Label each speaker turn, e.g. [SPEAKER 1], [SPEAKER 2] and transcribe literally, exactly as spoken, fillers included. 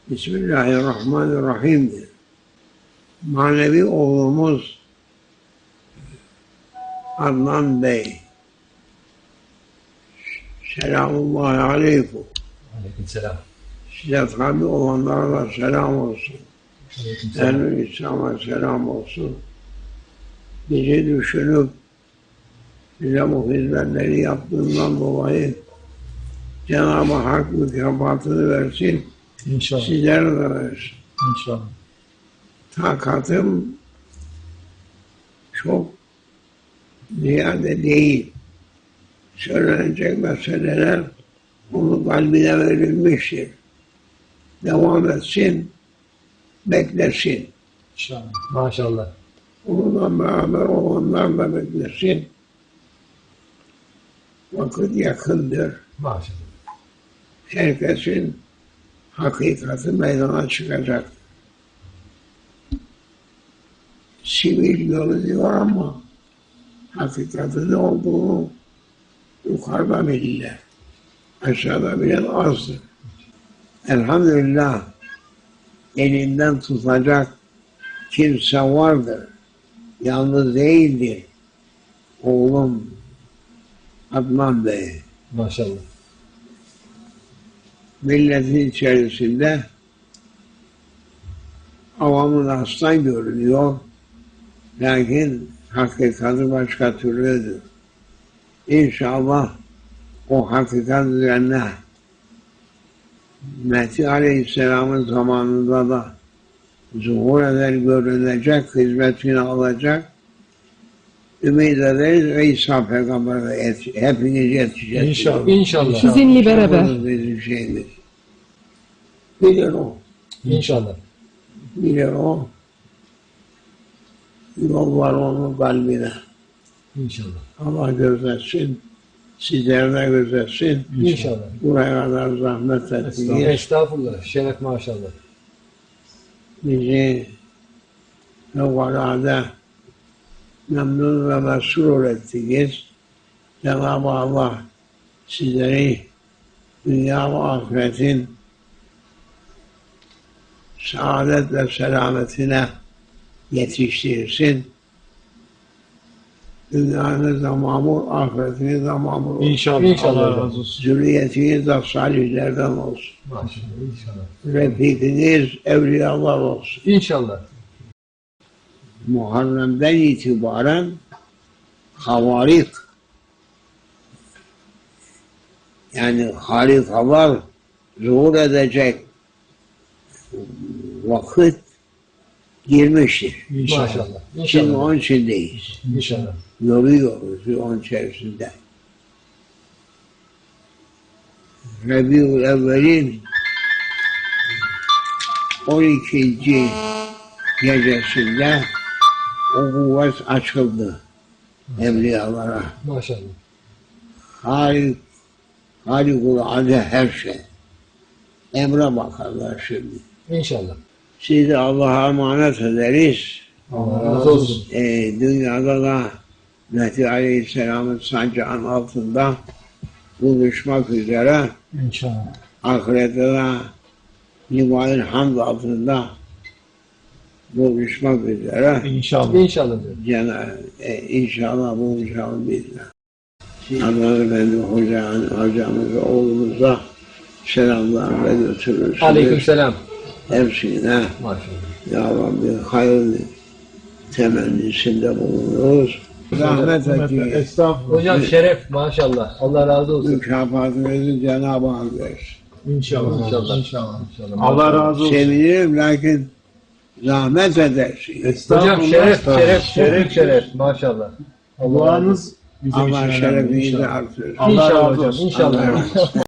[SPEAKER 1] Bismillahirrahmanirrahim. Manevi oğlumuz Adnan Bey. Selamullahi aleyküm.
[SPEAKER 2] Aleykümselam.
[SPEAKER 1] Size tabi olanlara da selam olsun. Ehl-i İslam'a selam olsun. Bizi düşünüp bize bu hizmetleri yaptığından dolayı Cenab-ı Hak mükafatını versin.
[SPEAKER 2] İnşallah.
[SPEAKER 1] Sizlere de versin.
[SPEAKER 2] İnşallah.
[SPEAKER 1] Takatım çok ziyade değil. Söylenecek meseleler onun kalbine verilmiştir. Devam etsin, beklesin.
[SPEAKER 2] İnşallah. Maşallah.
[SPEAKER 1] Onunla beraber olanlar da beklesin. Vakit yakındır.
[SPEAKER 2] Maşallah.
[SPEAKER 1] Herkesin hakikati meydana çıkacak. Sivil görünüyor ama hakikatin ne olduğunu yukarıda bilirler. Aşağıda bilen azdır. Elhamdülillah elinden tutacak kimse vardır. Yalnız değildir. Oğlum Adnan Bey.
[SPEAKER 2] Maşallah.
[SPEAKER 1] Milletin içerisinde avamın aslan görünüyor. Lakin hakikati başka türlüdür. İnşallah o hakikat üzerine Mehdi Aleyhisselam'ın zamanında da zuhur eder, görünecek, hizmetini alacak. Ümit ederiz ve İsa Peygamber'e hepiniz yetişeceksiniz.
[SPEAKER 2] İnşallah. İnşallah.
[SPEAKER 3] Sizinle beraber.
[SPEAKER 1] Bizim şeyimiz. Bilir o.
[SPEAKER 2] İnşallah.
[SPEAKER 1] Bilir o. Yol var onun kalbine.
[SPEAKER 2] İnşallah.
[SPEAKER 1] Allah gözetsin. Sizler de gözetsin.
[SPEAKER 2] İnşallah.
[SPEAKER 1] Buraya kadar zahmet
[SPEAKER 2] Estağfurullah.
[SPEAKER 1] ettiniz.
[SPEAKER 2] Estağfurullah. Şeref maşallah.
[SPEAKER 1] Bizi fevkalade memnun ve mesrur ettiniz. Cenab-ı Allah sizleri dünya ve ahiretin saadet ve selametine yetiştirsin. Dünyanız da mamur, ahiretiniz de mamur olsun.
[SPEAKER 2] İnşallah. İnşallah. Allah razı olsun.
[SPEAKER 1] Zürriyetiniz de salihlerden olsun.
[SPEAKER 2] Maşallah. İnşallah.
[SPEAKER 1] Refikiniz evliyalar olsun.
[SPEAKER 2] İnşallah.
[SPEAKER 1] Muharrem'den itibaren havarik, yani harikalar zuhur edecek vakit girmiştir.
[SPEAKER 2] İnşallah.
[SPEAKER 1] Şimdi
[SPEAKER 2] İnşallah.
[SPEAKER 1] onun içindeyiz.
[SPEAKER 2] İnşallah.
[SPEAKER 1] Yoruyoruz onun içerisinde. Rabiul Evvel'in on ikinci gecesinde o kuvvet açıldı evliyalara.
[SPEAKER 2] Maşallah.
[SPEAKER 1] Halik, harikulade her şey. Emre bakarlar şimdi.
[SPEAKER 2] İnşallah.
[SPEAKER 1] Sizi Allah'a emanet ederiz.
[SPEAKER 2] Allah razı olsun.
[SPEAKER 1] Ee, dünyada da Mehdi Aleyhisselam'ın sancağın altında buluşmak üzere,
[SPEAKER 2] İnşallah.
[SPEAKER 1] ahirette de Livan-ı Hamd altında buluşmak üzere.
[SPEAKER 2] İnşallah. İnşallah.
[SPEAKER 1] Cenab-ı e, inşallah buluşalım bizle. Adnan Efendi Hoca, hocamıza, oğlumuza selamlar ve götürürsünüz.
[SPEAKER 2] Aleykümselam.
[SPEAKER 1] Hepsine
[SPEAKER 2] Maşallah.
[SPEAKER 1] Ya Rabbi hayırlı temennisinde bulunuruz. Zahmet ettiğiniz
[SPEAKER 2] Estağfurullah. Hocam şeref maşallah. Allah razı olsun.
[SPEAKER 1] mükafatınızı Cenab-ı Hak versin.
[SPEAKER 2] İnşallah. İnşallah. İnşallah.
[SPEAKER 4] Allah razı olsun.
[SPEAKER 1] Sevinirim lakin zahmet edersiniz.
[SPEAKER 2] Hocam şeref, şeref, şeref, şeref. Maşallah.
[SPEAKER 4] Duanız bizim
[SPEAKER 1] Allah
[SPEAKER 4] için önemli.
[SPEAKER 1] şerefinizi
[SPEAKER 4] İnşallah.
[SPEAKER 1] artırsın.
[SPEAKER 4] Allah
[SPEAKER 2] İnşallah
[SPEAKER 4] razı
[SPEAKER 2] hocam.
[SPEAKER 4] olsun.
[SPEAKER 2] İnşallah.
[SPEAKER 1] Allah razı olsun.